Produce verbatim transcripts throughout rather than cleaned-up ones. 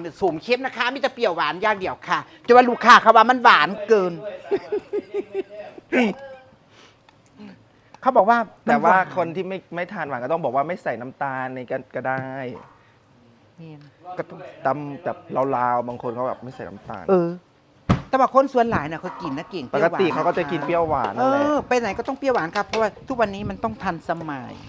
ำสูงเข้มนะคะมีแต่เปรี้ยวหวานอย่างเดียวค่ะจะว่าลูกค้าเขาว่ามันหวานเกินเขาบอกว่าแต่ว่าคนที่ไม่ไม่ทานหวานก็ต้องบอกว่าไม่ใส่น้ำตาลในกันก็ได้ก็ต้องตำแบบลาวๆบางคนเขาแบบไม่ใส่น้ำตาลเออแต่ว่าคนส่วนหลายน่ะเขากินนะเก่งปกติเขาก็จะกินเปรี้ยวหวานเอนั่นแหละอไปไหนก็ต้องเปรี้ยวหวานครับเพราะว่าทุกวันนี้มันต้องทันสมัย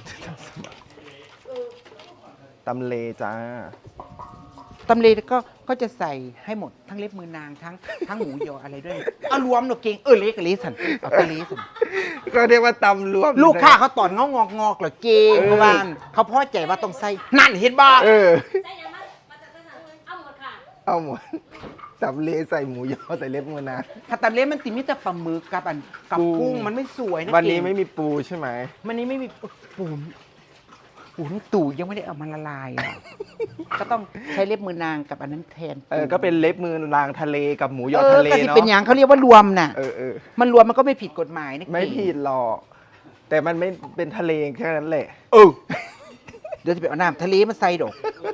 ตำเลจ้าตำเลก็ก็จะใส่ให้หมดทั้งเล็บมือนางทั้งทั้งหมูยออะไรด้วยเอารวมหนูเก่งเออเล็กกับเล็กสันเอาตะเลสันก็เรียกว่าตำรวมลูกค้าเขาตอนงอกงอกงอกเหรอเก่งเพราะว่าเขาพอใจว่าต้องใส่นั่นเห็นบ่เออใส่ยังมามาจากไหนเอาหมดค่ะเอาหมดตำเลใส่หมูยอใส่เล็บมือนางถ้าตำเลมันติดมิตรปลาหมึกกับอันกับกุ้งกุ้งมันไม่สวยนะวันนี้เก่งไม่มีปูใช่ไหมวันนี้ไม่มีปูนปูนี่ตู่ยังไม่ได้เอามาละลายอ่ะ ก็ต้องใช้เล็บมือนางกับอันนั้นแทนเออก็เป็นเล็บมือนางทะเลกับหมูยอเออทะเลก็สิเนาะเป็นอย่างเขาเรียกว่ารวมน่ะเออเออมันรวมมันก็ไม่ผิดกฎหมายนะไม่เก่งผิดหรอกแต่มันไม่เป็นทะเลแค่นั้นแหละเออเดี๋ยวจะไปเอาน้ำทะเลมาใส่ดอก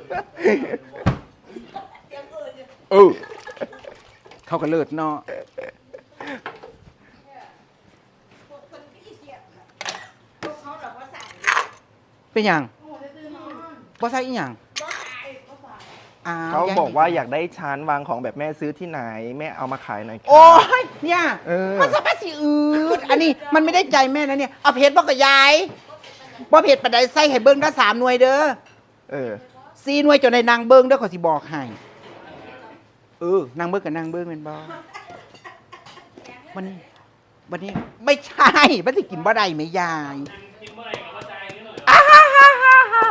เออเขาก็เลิศเนาะเป็นอย่างบ่ใส่อีหยังอ้วเขาบอกว่าอยากได้ชั้นวางของแบบแม่ซื้อที่ไหนแม่เอามาขายหน่อยค่ะโอ้ยเนี่ยเออมันสะพัดสีอืดอันนี้มันไม่ได้ใจแม่นะเนี่ยเอาเพชรบอกกับยายบ่เพชรปานใดใส่ให้เบิ้งได้สามหน่วยเด้อเออสี่หน่วยจนในนางเบิ้งเด้อขอสิบอกให้เออนางเบิ้งกับนางเบิ้งเป็นบ่วันนี้วันนี้ไม่ใช่มันสิกินบ่ได้ไหมยายอ้าฮ่าฮ่าฮ่าฮ่า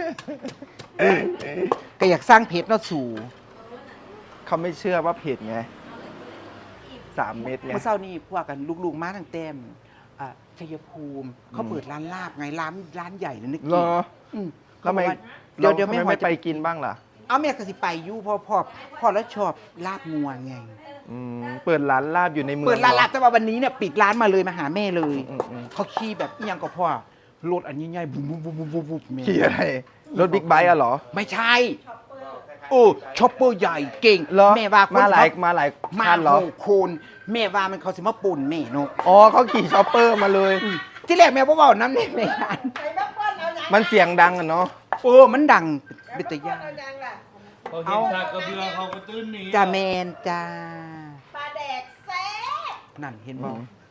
ก็อยากสร้างเพชรเนาะสู่เขาไม่เชื่อว่าเผ็ดไงสามเม็ดไงเมื่อเช้านี้พวกกันลูกๆมาตั้งแต่มอ่าชัยภูมิเขาเปิดร้านลาบไงร้านร้านใหญ่เลยนึกเหรออืมทำไมเดี๋ยวเดี๋ยวทำไม่ไมพอไม่จะไปกินบ้างล่ะเอาแม่ก็สิไปอยู่พ่อพ่อพ่อแล้วชอบลาบงัวไงอืมเปิดร้านลาบอยู่ในเมืองเปิดร้านลาบหอแต่ว่าวันนี้เนี่ยปิดร้านมาเลยมาหาแม่เลยอืมอืมเขาขี่แบบอีหยังก็พ่อรถอันนี้ใหญ่บุบบุบบุบบุบบุบบุบแม่ขี่อะไรรถบิ๊กไบค์อะเหรอไม่ใช่โอ้ช็อปเปอร์ใหญ่เก่งเหรอแม่ว่าคนมาหลายเขมาหลายมาคันเหรอโหคนแม่ว่ามันเขาสิมาปุ่นแม่เนกอ๋อเขาขี่ช็อปเปอร์มาเลยที่แรกแม่บ่เว้าน้ำในงานมันเสียงดังอะเนาะโอ้มันดังเป็นตะยานเขาเห็นชาติกระเบือเขาก็ตื้นหนีจ้าแมนจ้าปลาแดกแซ่บนั่นเห็นบ่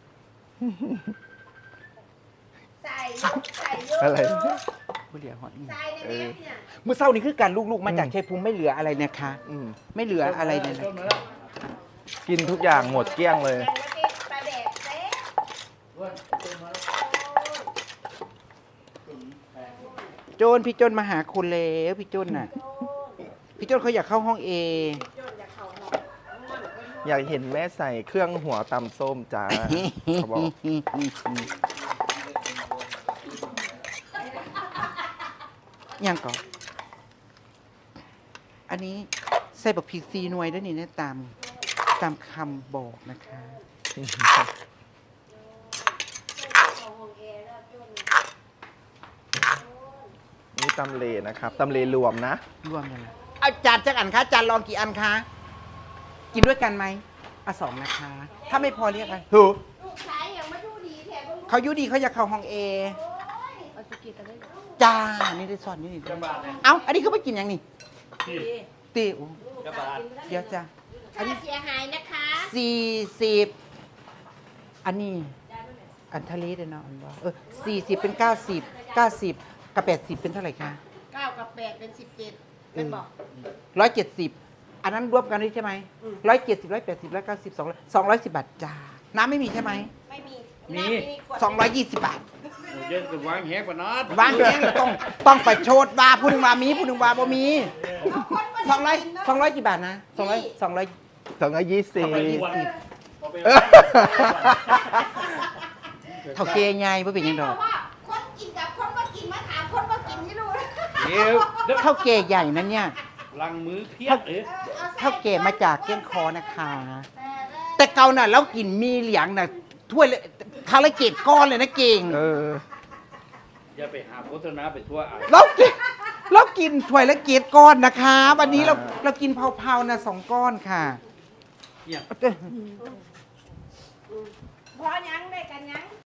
ใส่ใส่เยอะอะไรผู้เดียวฮอดนี่ใส่ในแม่เนี่ยเมื่อเช้านี้คือการลูกๆมาจากชัยภูมิไม่เหลืออะไรนะคะอืมไม่เหลืออะไรเลยนะกินทุกอย่างหมดเกลี้ยงเลยแกงกะทิปลาแดกแซ่บโจนพี่โจนมาหาคุณแล้วพี่โจนน่ะ พี่โจนเขาอยากเข้าห้องเออยากเห็นแม่ใส่เครื่องหัวตำส้มจ้าเขาบอกยังก่อนอันนี้ใส่บักพริกซีหน่วยด้วยนี่นะตามตามคำบอกนะคะนี่ตำเลนะครับตำเลรวมนะรวมกันเลยเอาจานจักอันคะจานลองกี่อันคะ กินด้วยกันไหมอ่ะสองนะคะ ถ้าไม่พอเรียกอะไรถูกลูกชายยังไม่ดูดีแถมเขายุดีเขาอยากเข้าห้องเอเอาสกิดอะไรจ้า นี่ได้สอนนี่นี่เอ้า อันนี้เขาไม่กินยังนี่ตีโอ้เดี๋ยวจ้าอันค่านี้เสียหายนะคะสี่สิบอันนี้ อันทะเลเด้อเนาะอันว่าเออสี่สิบเป็นเก้าสิบเก้าสิบกับแปดสิบเป็นเท่าไหร่คะเก้ากับแปดเป็นสิบเจ็ดเป็นบอกร้อยเจ็ดสิบอันนั้นรวมกันได้ใช่ไหมร้อยเจ็ดสิบร้อยแปดสิบร้อยเก้าสิบสองสองร้อยสิบบาทจ้า น้ำไม่มีใช่ไหมไม่มีมีสองร้อยยี่สิบบาทเยอะกับวางแหกกว่านั้นวางเองต้องต้องไปโชดว่าผู้หนึ่งว่ามีผู้หนึ่งว่าบ่มีสองร้อยสองร้อยกี่บาทนะสองร้อยสองร้อยสองร้อยยี่สิบเท่าเกยไงบ่เป็นหยังดอกว่าคนกินกับคนว่ากินมาถามคนว่ากินที่รู้เดี๋ยวเดี๋ยวเท่าเกยใหญ่นั้นเนี่ยลังมือเพียบเอ๊ะเท่าเกยมาจากเกี้ยงคอนะคะ แต่เก่าน่ะเรากินมีเหลียงน่ะถ้วยละคาราเกตก้อนเลยนะเก่งเอออย่าไปหาโฆษณาไปทั่วอ่ะเรากินเรากินถ้วยละเกียรก้อนนะคะ วันนี้เราเรากินเผาๆนะสองก้อนค่ะเนี่ยพอยังได้กันยัง